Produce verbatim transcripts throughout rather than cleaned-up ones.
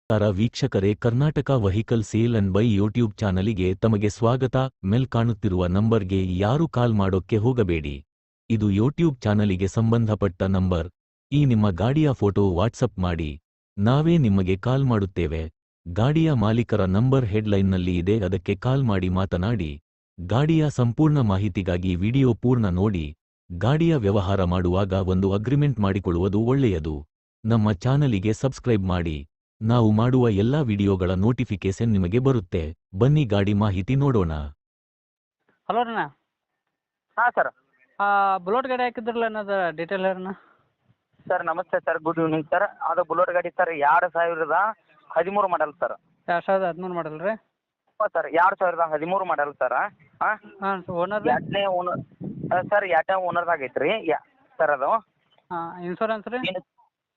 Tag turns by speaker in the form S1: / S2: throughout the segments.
S1: ನಮಸ್ಕಾರ ವೀಕ್ಷಕರೇ, Karnataka vehicle sale and buy YouTube ಚಾನಲಿಗೆ ತಮಗೆ ಸ್ವಾಗತ. ಮೇಲ್ ಕಾಣುತ್ತಿರುವ ನಂಬರ್ಗೆ ಯಾರು ಕಾಲ್ ಮಾಡೋಕ್ಕೆ ಹೋಗಬೇಡಿ. ಇದು ಯೂಟ್ಯೂಬ್ ಚಾನಲಿಗೆ ಸಂಬಂಧಪಟ್ಟ ನಂಬರ್. ಈ ನಿಮ್ಮ ಗಾಡಿಯ ಫೋಟೋ ವಾಟ್ಸಪ್ ಮಾಡಿ, ನಾವೇ ನಿಮಗೆ ಕಾಲ್ ಮಾಡುತ್ತೇವೆ. ಗಾಡಿಯ ಮಾಲೀಕರ ನಂಬರ್ ಹೆಡ್ಲೈನ್ನಲ್ಲಿ ಇದೆ, ಅದಕ್ಕೆ ಕಾಲ್ ಮಾಡಿ ಮಾತನಾಡಿ. ಗಾಡಿಯ ಸಂಪೂರ್ಣ ಮಾಹಿತಿಗಾಗಿ ವಿಡಿಯೋ ಪೂರ್ಣ ನೋಡಿ. ಗಾಡಿಯ ವ್ಯವಹಾರ ಮಾಡುವಾಗ ಒಂದು ಅಗ್ರಿಮೆಂಟ್ ಮಾಡಿಕೊಳ್ಳುವುದು ಒಳ್ಳೆಯದು. ನಮ್ಮ ಚಾನಲಿಗೆ ಸಬ್ಸ್ಕ್ರೈಬ್ ಮಾಡಿ. ನಾವು ಮಾಡುವ ಎಲ್ಲಾ ವಿಡಿಯೋಗಳ ನೋಟಿಫಿಕೇಶನ್ ನಿಮಗೆ ಬರುತ್ತೆ. ಬನ್ನಿ ಗಾಡಿ ಮಾಹಿತಿ ನೋಡೋಣ.
S2: ಹಲೋ ರೀ.
S3: ಹಾಂ ಸರ್.
S2: ಬುಲೋಟ್ ಗಾಡಿ ಹಾಕಿದ್ರಲ್ಲ ಅನ್ನೋದು ಡೀಟೇಲ್ ಹೇಳ್ರಣ್ಣ.
S3: ಸರ್ ನಮಸ್ತೆ ಸರ್, ಗುಡ್ ಈವ್ನಿಂಗ್ ಸರ್. ಅದು ಬುಲೋಟ್ ಗಾಡಿ ಸರ್, ಎರಡು ಸಾವಿರದ ಹದಿಮೂರು ಮಾಡಲ್ ಸರ್.
S2: ಎರಡು ಸಾವಿರದ ಹದಿಮೂರು ಮಾಡಲ್ ರೀ?
S3: ಹಾಂ ಸರ್, ಎರಡು ಸಾವಿರದ ಹದಿಮೂರು ಮಾಡಲ್ ಸರ್. ಹಾಂ
S2: ಹಾಂ ಓನರ್
S3: ಎರಡನೇ ಓನರ್ ಸರ್, ಎರಡನೇ ಓನರ್ದಾಗ ಐತ್ರಿ ಯಾ ಸರ್ ಅದು.
S2: ಹಾಂ ಇನ್ಶೂರೆನ್ಸ್ ರೀ?
S3: ಇನ್ನು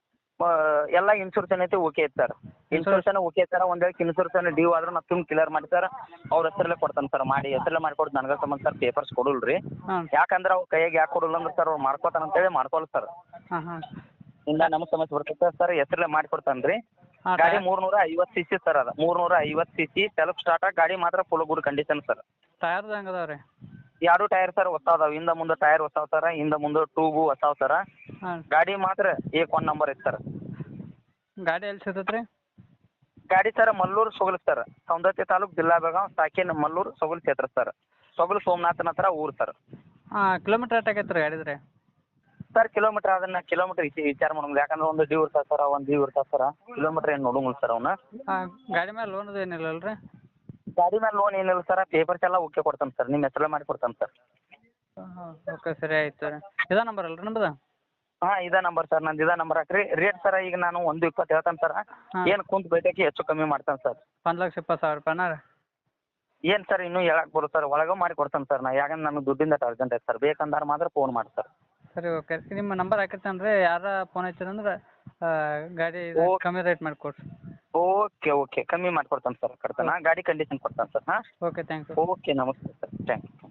S3: ಎಲ್ಲ ಇನ್ಶೂರೆನ್ಸ್ ಏನೈತಿ ಓಕೆ ಐತೆ ಸರ್. Insurance okay sir. ಒಂದು ವೇಳೆ ಇನ್ಶೂರೆನ್ಸ್ ಡ್ಯೂ ಆದ್ರೆ ನಾವು ತುಂಬ ಕ್ಲಿಯರ್ ಮಾಡಿ ಸರ್, ಅವ್ರ ಹೆಸರಲ್ಲೇ ಕೊಡ್ತಾನೆ ಸರ್. ಮಾಡಿ ಹೆಸರಲ್ಲೇ ಮಾಡಿಕೊಡ್ದು ನನಗೆ ಸಂಬಂಧ ಸರ್, ಪೇಪರ್ಸ್ ಕೊಡಲ್ಲ ರೀ.
S2: ಹಾಂ
S3: ಯಾಕಂದ್ರೆ ಅವ್ರ ಕೈಯಾಗ ಯಾಕೆ ಕೊಡಲ್ಲ ಅಂದ್ರೆ ಸರ್, ಅವ್ರು ಮಾಡ್ಕೋತಾನೆ ಅಂತೇಳಿ ಮಾಡ್ಕೊಲ್ಲ ಸರ್.
S2: ಹಾಂ ಹಾಂ
S3: ಇಲ್ಲ ನಮಗೆ ಸಮಸ್ಯೆ ಬರ್ತೈತೆ ಸರ್, ಹೆಸರಲ್ಲೇ ಮಾಡಿಕೊಡ್ತಾನೆ ರೀ.
S2: ಹಾಂ
S3: ಗಾಡಿ ಮೂರ್ನೂರ ಐವತ್ತು ಸಿ ಸಿ ಸರ್. ಅದು ಮೂರ್ನೂರ ಐವತ್ತು ಸಿ ಸಿ ಸೆಲ್ಫ್ ಸ್ಟಾರ್ಟ್ ಗಾಡಿ ಮಾತ್ರ ಫುಲ್ ಗುಡ್ ಕಂಡೀಷನ್ ಸರ್.
S2: ಟಯರ್ದು ಹೆಂಗೆ ಅದಾವೆ ರೀ?
S3: ಎರಡು ಟೈರ್ ಸರ್ ಹೊಸ ಅದಾವೆ. ಹಿಂದೆ ಮುಂದೆ ಟೈರ್ ಹೊಸಾವ್ ಸರ, ಹಿಂದೆ ಮುಂದೆ ಟೂಬು ಹೊಸಾವ್ ಸರ.
S2: ಹಾಂ
S3: ಗಾಡಿ ಮಾತ್ರ ಏಕ್ ಒನ್ ನಂಬರ್ ಐತೆ ಸರ್.
S2: ಗಾಡಿ ಎಲ್ಲಿ ಸಿಗ್ತೈತೆ ರೀ?
S3: ಗಾಡಿ ಸರ್ ಮಲ್ಲೂರು ಸೊಗಲು ಸರ್, ಸೌಂದತ್ತಿ ತಾಲೂಕು, ಜಿಲ್ಲಾ ಬೆಳಗಾವಿ, ಸಾಕಿನ ಮಲ್ಲೂರು ಸೊಗಲು ಕ್ಷೇತ್ರ ಸರ್. ಸೊಗಲು ಸೋಮನಾಥನ ಹತ್ರ ಊರು ಸರ್.
S2: ಹಾಂ ಕಿಲೋಮೀಟ್ರ್ ಎಷ್ಟು ಆಗೈತೆ ರೀ ಗಾಡಿದು ರೀ?
S3: ಸರ್ ಕಿಲೋಮೀಟ್ರ್ ಅದನ್ನು ಕಿಲೋಮೀಟ್ರ್ ವಿಚ ವಿಚಾರ ಮಾಡೋಂಗಿಲ್ಲ. ಯಾಕಂದ್ರೆ ಒಂದು ಡ್ಯೂ ಇರ್ತಾವೆ ಸರ್, ಒಂದು ಡ್ಯೂ ಇರ್ತಾವೆ ಸರ್. ಕಿಲೋಮೀಟ್ರ್ ಏನು ನೋಡೋಂಗಿಲ್ಲ ಸರ್ ಅವನ್ನ.
S2: ಹಾಂ ಗಾಡಿ ಮೇಲೆ ಲೋನ್ ಅದು ಏನಿಲ್ಲ ಅಲ್ಲ ರೀ?
S3: ಗಾಡಿ ಮೇಲೆ ಲೋನ್ ಏನಿಲ್ಲ ಸರ್, ಪೇಪರ್ಸ್ ಎಲ್ಲ ಓಕೆ ಕೊಡ್ತಾನೆ ಸರ್, ನಿಮ್ಮ ಹೆಸರಲ್ಲೇ ಮಾಡಿ ಕೊಡ್ತಾನೆ ಸರ್.
S2: ಹಾಂ ಓಕೆ ಸರಿ ಆಯ್ತು ರೀ. ಇದೇ ನಂಬರ್ ಅಲ್ಲ ರೀ ನಿಮ್ಮದು?
S3: ಹಾಂ ಇದೇ ನಂಬರ್ ಸರ್, ನಂದು ಇದೇ ನಂಬರ್ ಹಾಕ್ರಿ. ರೇಟ್ ಸರ ಈಗ ನಾನು ಒಂದು ಇಪ್ಪತ್ತು ಹೇಳ್ತಾನೆ ಸರ್.
S2: ಹಾಂ.
S3: ಏನು ಕುಂತು ಬೈಟಕ್ಕೆ ಹೆಚ್ಚು ಕಮ್ಮಿ ಮಾಡ್ತಾನೆ ಸರ್.
S2: ಒಂದು ಲಕ್ಷ ಇಪ್ಪತ್ತು ಸಾವಿರ ರೂಪಾಯಿನಾ ರೀ?
S3: ಏನು ಸರ್ ಇನ್ನೂ ಹೇಳಕ್ಕೆ ಬರುತ್ತೆ ಸರ್, ಒಳಗೆ ಮಾಡಿ ಕೊಡ್ತಾನೆ ಸರ್ ನಾ. ಯಾಕಂದ್ರೆ ನನಗೆ ದುಡ್ಡಿಂದ ಅರ್ಜೆಂಟ್ ಐತೆ ಸರ್, ಬೇಕಂದ್ರೆ ಮಾತ್ರ ಫೋನ್ ಮಾಡಿ ಸರ್.
S2: ಸರಿ ಓಕೆ. ನಿಮ್ಮ ನಂಬರ್ ಹಾಕಿರ್ತಾನೆ ರೀ, ಯಾರ ಫೋನ್ ಹಚ್ಚಿರಂದ್ರೆ ಗಾಡಿ ಇದು
S3: ಓಕೆ.
S2: ಕಮ್ಮಿ ರೇಟ್ ಮಾಡಿಕೊಡ್ರಿ.
S3: ಓಕೆ ಓಕೆ ಕಮ್ಮಿ ಮಾಡಿಕೊಡ್ತಾನೆ ಸರ್, ಕಡ್ತಾನೆ ಗಾಡಿ ಕಂಡೀಷನ್ ಕೊಡ್ತಾನೆ ಸರ್. ಹಾಂ
S2: ಓಕೆ ಥ್ಯಾಂಕ್ ಯು.
S3: ಓಕೆ ನಮಸ್ತೆ ಸರ್, ಥ್ಯಾಂಕ್ ಯು.